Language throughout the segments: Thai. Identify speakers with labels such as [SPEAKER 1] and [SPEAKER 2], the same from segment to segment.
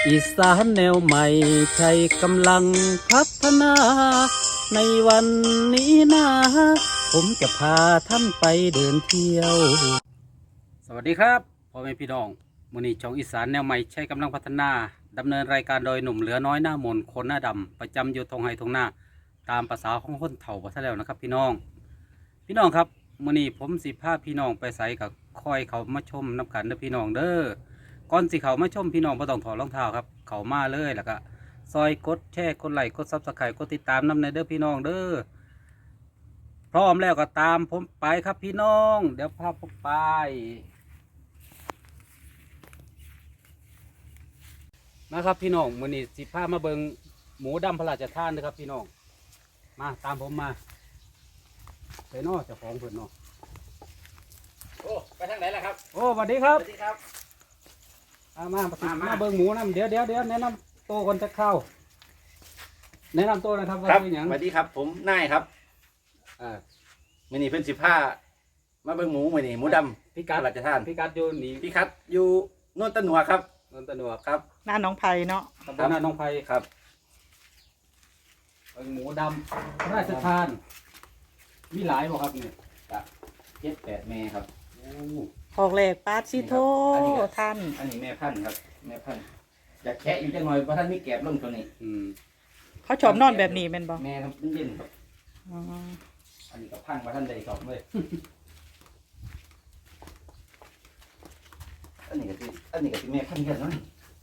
[SPEAKER 1] อีสานแนวใหม่ใช้กำลังพัฒนา ในวันนี้นะผมจะพาท่านไปเดินเที่ยว สวัสดีครับพ่อแม่พี่น้องมื้อนี้ช่องอีสานแนวใหม่ใช้กำลังพัฒนาดำเนินรายการโดยหนุ่มเหลือน้อยหน้ามนต์คนหน้าดำประจำอยู่ทงไฮทงหน้าตามภาษาของคนเฒ่าบ่ซะแล้วนะครับพี่น้องครับมื้อนี้ผมสิพาพี่น้องไปใส่กับคอยเขามาชมน้ำกันเด้อพี่น้องเด้อก่อนสิเขามาชมพี่น้องบ่ต้องถอดรองเท้าครับเขามาเลยแล้วก็ซอยกดแชร์กดไลค์กดซับสไครต์กดติดตามนำในเด้อพี่น้องเด้อพร้อมแล้วก็ตามผมไปครับพี่น้องเดี๋ยวพาผมไปนะครับพี่น้องมื้อนี้สิพามาเบิ่งหมูดำพระราชทานนะครับพี่น้องมาตามผมมาไปเนาะเจ้าของเพิ่นเนาะ
[SPEAKER 2] โอ้ไปทางไหนล่ะครับ
[SPEAKER 1] โอ้สวัสดีครับ
[SPEAKER 2] สวัสดีครับ
[SPEAKER 1] มาเบิ่งหมูน้ำเดี๋ยวแนะนำโตวคนจะเข้าแนะนำตัวนะครับว่า
[SPEAKER 2] ครับ
[SPEAKER 1] เป็นหยัง
[SPEAKER 2] สวัสดีครับผมนายครับ
[SPEAKER 1] อ่า
[SPEAKER 2] มื้อนี้เพิ่น15มาเบิ่งหมูมื้อนี้หมูดำ
[SPEAKER 1] พี่กัด
[SPEAKER 2] พระราชทาน
[SPEAKER 1] พี่กัดอยู่นี่
[SPEAKER 2] พี่คัดอยู่โน่นตะหนัวครับ
[SPEAKER 1] นนทนวก
[SPEAKER 2] ครับ
[SPEAKER 3] หน้าน้องไผ่เนาะ
[SPEAKER 1] ตำบลนาหนองไผ่
[SPEAKER 2] ครับ
[SPEAKER 1] เบิ่งหมูดำพระราชทาน มีหลายบ่ครับเนี่ย
[SPEAKER 2] 7-8แม่ครับ
[SPEAKER 1] โอ้
[SPEAKER 3] ออกแหลกปาดซิโท
[SPEAKER 2] อันนี้ครับ
[SPEAKER 3] ท่าน
[SPEAKER 2] อันนี้แม่พันธุ์ครับแม่พันธุ์อยากแคะอยู่จังหน่อยเพราะท่านมีแกบลงตัวนี้
[SPEAKER 1] อืม
[SPEAKER 3] เขาชอบนอนแบบนี้เป็นบ่
[SPEAKER 2] แม่ครับมันเย็นครับ
[SPEAKER 3] อ๋อ
[SPEAKER 2] อันนี้ก็พังว่าท่านได้สอบเลยอันนี้ก็สิแม่พันธุ์กันเนาะ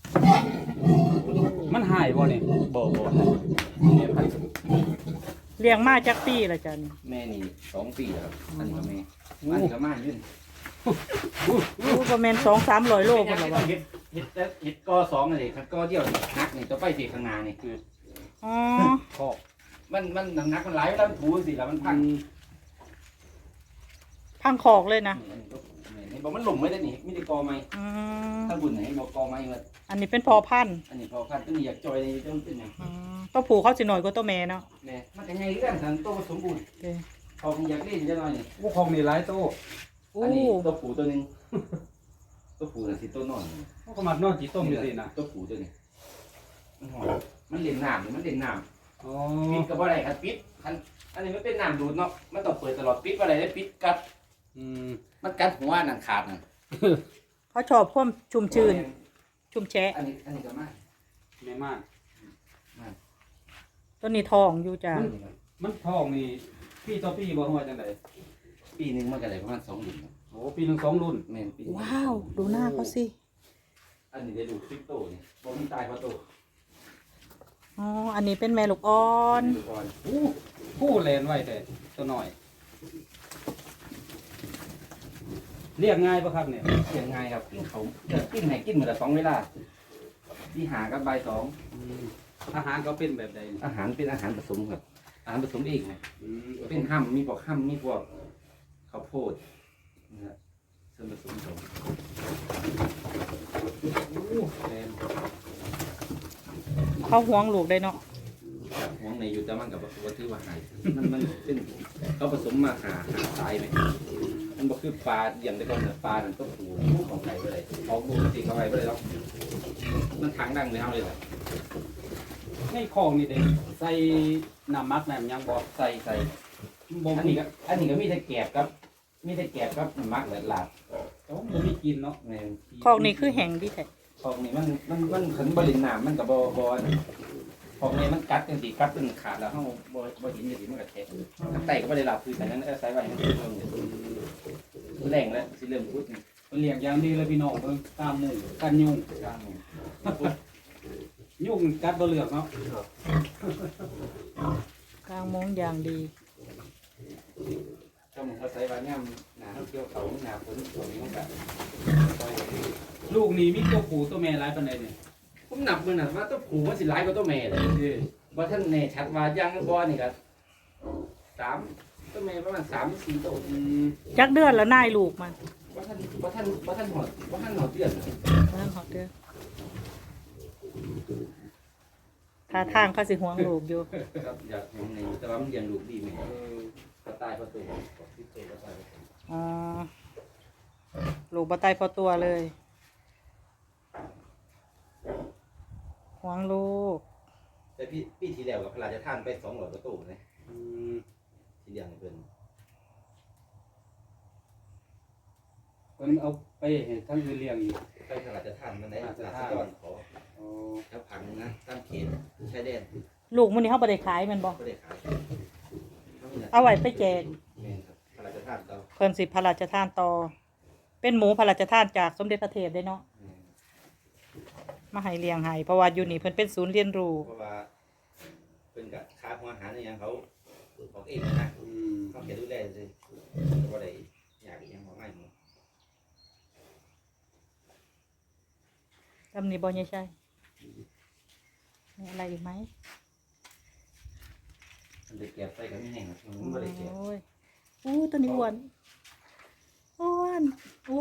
[SPEAKER 1] มันหายบ่เนี่ย
[SPEAKER 2] บ่แม่พันธุ์
[SPEAKER 3] เลี้ยงมาจากปีละจัน
[SPEAKER 2] แม่นี่2 ปีแล้วครับอันนี้ก็แม่อันนี้ก็มายื่น
[SPEAKER 3] รู้ประมาณ200-300 โล
[SPEAKER 2] เป็
[SPEAKER 3] พุ่
[SPEAKER 2] น
[SPEAKER 3] น
[SPEAKER 2] ยั
[SPEAKER 3] ละ
[SPEAKER 2] งไง
[SPEAKER 3] ว่า
[SPEAKER 2] เห็ดกอสองอะไรครับกอเดียวนักนี่ตัวไปสีข้างหน้านี่คือ
[SPEAKER 3] อ๋อ
[SPEAKER 1] คอก
[SPEAKER 2] มันนักมันไหลแล้วมันถูสิแล้วมันพัง
[SPEAKER 3] พังคอกเลยนะ
[SPEAKER 2] เห็นบอกมันหล่มไม่ได้นี่มีแต่กอไม้
[SPEAKER 3] อืม
[SPEAKER 2] ถ้าบุญไหนบอกกอไม้มา
[SPEAKER 3] อันนี้เป็นพอพันธุ์
[SPEAKER 2] อันนี้พอพันตัวนี้อยากจอยในต้องเป็นอย่าง
[SPEAKER 3] อืมตัวผูเขาสิหน่อยกว่าตัวแม่เนาะ
[SPEAKER 2] แม่มันจะไงเรื่องทันโตสมบูรณ์
[SPEAKER 3] โอเค
[SPEAKER 2] พอมันอยากเล่นจะหน่อยนี่
[SPEAKER 1] โอ้ของนี่หลายโต
[SPEAKER 3] อู้
[SPEAKER 2] อันนี้ตัวผูตัวนึงตัวผูน่ะสิตัวนอน
[SPEAKER 1] โอ้ก็มัดนอนจีต้มอยู่สินะ
[SPEAKER 2] ตัวผูตัวนี้มันหอมมันเล่นน้ำมันเล่นน้ำ
[SPEAKER 1] อ๋อ
[SPEAKER 2] ปิดกับอะไรครับปิดอันนี้ไม่เป็นน้ำดูดเนาะมันต้องเปิดตลอดปิดอะไรได้ปิดกัด
[SPEAKER 1] อืม
[SPEAKER 2] มันกัดหัวนั่นขาดนั่น
[SPEAKER 3] เขาชอบความชุ่มชื้น ชุ่มแฉะ
[SPEAKER 2] อันนี้ก็มาก
[SPEAKER 1] แม่มาก
[SPEAKER 3] ตัวนี้ทองอยู่จ้ะ
[SPEAKER 1] มันทองนี่พี่ต่อพี่บ่ฮู้ว่าจังได๋
[SPEAKER 2] ปีหนึงมันก็ได้ประมาณ2 รุ่นครับ
[SPEAKER 1] โอ้ปีหนึง2รุ่น
[SPEAKER 2] แม่นปีหนึ่ง
[SPEAKER 3] ว้าวดูหน้าเขาสิ
[SPEAKER 2] อันนี้ได้ดูคริปโตนี่บ่มีตายเพราะโต
[SPEAKER 3] อ๋ออันนี้เป็นแม่ลูกอ่อน
[SPEAKER 2] ดูก่อน
[SPEAKER 1] อู้ผู้แลนไว้แต่ตัวน้อยเรียกง่ายป่ะครับเนี่ย
[SPEAKER 2] เสียงง่ายครับกินเขากินให้กินมื้อละ2 เวลาที่หากับบ่าย2
[SPEAKER 1] อืมอาหารเขาเป็นแบบใดเนี่ย
[SPEAKER 2] อาหารเป็นอาหารผสมครับอาหารผสมเองนะ
[SPEAKER 1] อืม
[SPEAKER 2] เป็นห้ำมีพวกห้ำมีพวกข้าวโพดนะฮะส่วนผสมของ
[SPEAKER 1] อู้แลน
[SPEAKER 3] เขาห่วงลูกได้เนาะ
[SPEAKER 2] ห่วงในอยู่แต่มันกับวัตถุว่าหายมันเป็นเขาผสมมาหาสายไหมมันบอกคือปลาอย่างแต่ก่อนเนี่ยปลามันก็ผูของไก่ไปเลยออกลูกตีเข้าไปเลยแล้วมันทางดังเลยเอาเลยแหละ
[SPEAKER 1] ในของนี่เด้ใส่น้ำมักน้ำหยังบ่
[SPEAKER 2] ใส่
[SPEAKER 1] บ่
[SPEAKER 2] อัน
[SPEAKER 1] มี
[SPEAKER 2] นี้ก็มีแต่แกบครับมีแต่แกบครับมันมักเลยลาด
[SPEAKER 1] โอ้บ่มีกินเนาะ
[SPEAKER 2] แม่น
[SPEAKER 3] คอกนี้คือแห้งดีแท้
[SPEAKER 2] ของนี่มันขันบริณน้ำมันกับบของนี่มันกัดจังสีกัดจนขาดแล้วเขาบ่เห็นอย่างนี้มันก็แทะข้างใต้ก็ไม่ได้หลับคือแต่นั้นใส่ไว้ให้มันเริ่มแรงแล้วสิเริ่มพุดนี่
[SPEAKER 1] เลี้ยงอย่างดีเลยพี่น้องเบิ่งตามหมู่กันยุง
[SPEAKER 2] กลางนี่
[SPEAKER 1] ยุงกัดบ่เลือกเนาะ
[SPEAKER 3] กลางมงอย่างดี
[SPEAKER 2] ก็มันเขาใส่ไว้เนี่ยหนาเกี่ยวเขาหนาฝนฝนนี่มันก็
[SPEAKER 1] ลูกนี่มีตัวผู้ตัวแม่หลายปานใดเนี่ย
[SPEAKER 2] ผมนับมือน่ะว่าตัวผูมันสิหลายกว่าตัวแม่เลยว่าท่านแน่ชัดว่าย่างบ่นี่ก็3ตัวแม่ประมาณ3-4ตัว
[SPEAKER 1] อืม
[SPEAKER 3] จักเดือนแล้วนายลูกมัน
[SPEAKER 2] ว่าท่านหอดเดือน
[SPEAKER 3] นั่นหอดเดือนท่าทางเขาสิห่วงลูกอยู่
[SPEAKER 2] ครับอยากของในแต่ว่ามันเลี้ยงลูกดีไหม
[SPEAKER 1] เออ
[SPEAKER 2] ก็ตายเพราะตัวที่ตัวก็ตาย
[SPEAKER 3] อ๋อลูกบ่ตายพอตัวเลยห่วงลูก
[SPEAKER 2] แต่พี่ที่แล้วกับพระราชทานไป200กว่าตู้เลย
[SPEAKER 1] อืม
[SPEAKER 2] ที่เลี้ยงให้เพิ่น
[SPEAKER 1] เพิ่นเอาไปให้ทั้งอื่นเลี้ยงอีก
[SPEAKER 2] ไปพระราชทานมันได้
[SPEAKER 1] พระราช
[SPEAKER 2] รา
[SPEAKER 1] ทาน
[SPEAKER 2] ษฎรขอ
[SPEAKER 1] อ๋อ
[SPEAKER 2] แล้วผังนะตามเขตชายแดน
[SPEAKER 3] ลูกมื้อนี้เฮาบ่ได้ขายแม่นบ่
[SPEAKER 2] ก็ได้ขาย
[SPEAKER 3] เอาไว้ไปแจก
[SPEAKER 2] แม่นครับพระราชทานเรา
[SPEAKER 3] เพิ่นสิพระราชทานต่อ เป็นหมูพระราชทานจากสมเด็จพระเทพได้เนาะ
[SPEAKER 2] แม่น
[SPEAKER 3] มาให้เลี้ยงให้เพราะว่าอยู่นี่เพิ่นเป็นศูนย์เรียนรู้
[SPEAKER 2] เพราะว่าเพิ่นก็ค่าหัวอาหารอหยังเขาออกเองนะ
[SPEAKER 1] อืม
[SPEAKER 2] เขาแค่ดูแลซื่อแต่บ่ได้อยากอีหยังมากมายหมด
[SPEAKER 3] ตำนี้บ่ใช่มีอะไรอีกไหม
[SPEAKER 2] มันได้เก็บใส่ก็มีแห้งครับมันบ่ได้เก็บ
[SPEAKER 3] โอ้ยอู้ตัวนี้อ้วนอ้วนอ้วน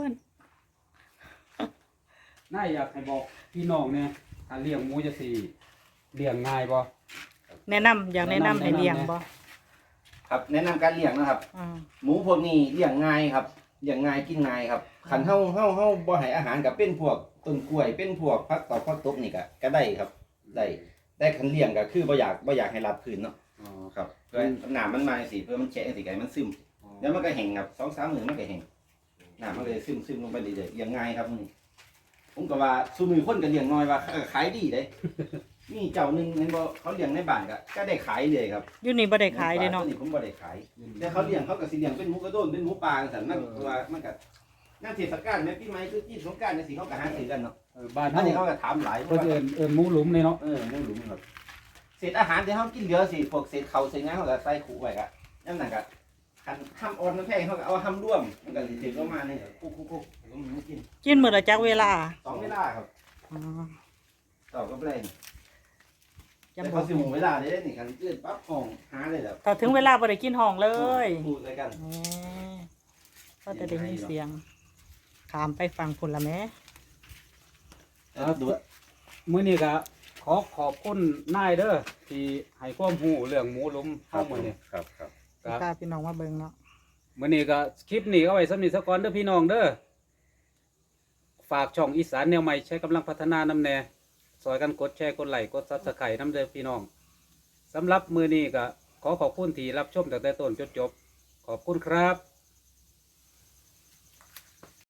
[SPEAKER 1] น่าอยากให้บอกพี่น้องเนี่ยถ้าเลี้ยงหมูจะสิเลี้ยงง่ายบ่
[SPEAKER 3] แนะนำอยากแนะนำให้เลี้ยงบ่
[SPEAKER 2] ครับแนะนำการเลี้ยงนะครับ
[SPEAKER 3] อืม
[SPEAKER 2] หมูพวกนี้เลี้ยงง่ายครับเลี้ยงง่ายกินง่ายครับคันเฮาบ่ให้อาหารกับเป็นพวกต้นกล้วยเป็นพวกผักตอกผักตบนี่ก็ได้ครับได้แต่คันเลี้ยงก็คือบ่อยากให้รับพื้นเนาะ
[SPEAKER 1] อ๋อ
[SPEAKER 2] ครับเพื่อน้ำมันมาจังซี่เพื่อมันแฉะจังซี่ก็ให้มันซึมแล้วมันก็แห้งครับ 2-3 มื้อมันก็แห้งน้ำมันก็เลยซึมลงไปเรื่อยๆเลี้ยงง่ายครับนี่ผมก็ว่าซุมื้อคนก็เลี้ยงน้อยว่าขายดีเด้ มีเจ้าหนึงเห็นบ่เขาเลี้ยงในบ้านก็ได้ขายเลยครับ
[SPEAKER 3] อยู่นี่บ่ได้ขายเด้เนาะ
[SPEAKER 2] ตัวนี้ผมบ่ได้ขาย แต่เขาเลี้ยงเขาก็สิเลี้ยงเป็นหมูกระโดนเป็นหมูปลาสันมันเพราะว่ามันก็งานเทศกาลแม่ปีใหม่คือที่สงกรานต์จังซี่เขาก็หาซื้อกันเนาะ
[SPEAKER 1] บ้าน
[SPEAKER 2] อัน
[SPEAKER 1] เฮา
[SPEAKER 2] นี้เขาก็ถามหลาย
[SPEAKER 1] เพิ่นเอิ้นหมูหลุมนี่เนาะ
[SPEAKER 2] หมูหลุมครับเศษอาหารที่เฮากินเหลือสิพวกเศษข้าวเศษหยังเขาก็ใส่ขู่ไว้ก็นั่นน่ะก็คันห้ำอ่อนน้ำแพงเขาก็เอาห้ำร่วมมันก็สิถึงประมาณนี้คุกๆๆผมมันกิน
[SPEAKER 3] กินมื้อละจักเวลา
[SPEAKER 2] 2เวลาครับ
[SPEAKER 3] อ๋อ
[SPEAKER 2] ต่อกับแรง
[SPEAKER 3] จำ
[SPEAKER 2] แต่
[SPEAKER 3] บ่
[SPEAKER 2] เขาสิหมู่เวลาได้นี่คันตื่นปั๊บห้องหาเลยแล้ว
[SPEAKER 3] ถ้าถึงเวลาบ่ได้กินห้องเลย
[SPEAKER 2] พูดด้วยกัน
[SPEAKER 3] แหมก็จะได้ยินเสียงขามไปฟังพุ่นละแหม่
[SPEAKER 1] มื้อนี้ก็ขอบคุณนายเด้อที่ให้ความรู้เรื่องหมูหลุมเฮามื้อนี้
[SPEAKER 2] ครับ
[SPEAKER 1] ครับ
[SPEAKER 3] พาพี่น้องมาเบิ่งเนาะ
[SPEAKER 1] มื้อนี้ก็คลิปนี้ก็ไว้สำนี้ซะก่อนเด้อพี่น้องเด้อฝากช่องอีสานแนวใหม่ใช้กำลังพัฒนานำแน่ซอยกันกดแชร์กดไลค์กด Subscribe นำเด้อพี่น้องสำหรับมื้อนี้ก็ขอบคุณที่รับชมตั้งแต่ต้นจนจบขอบคุณครับ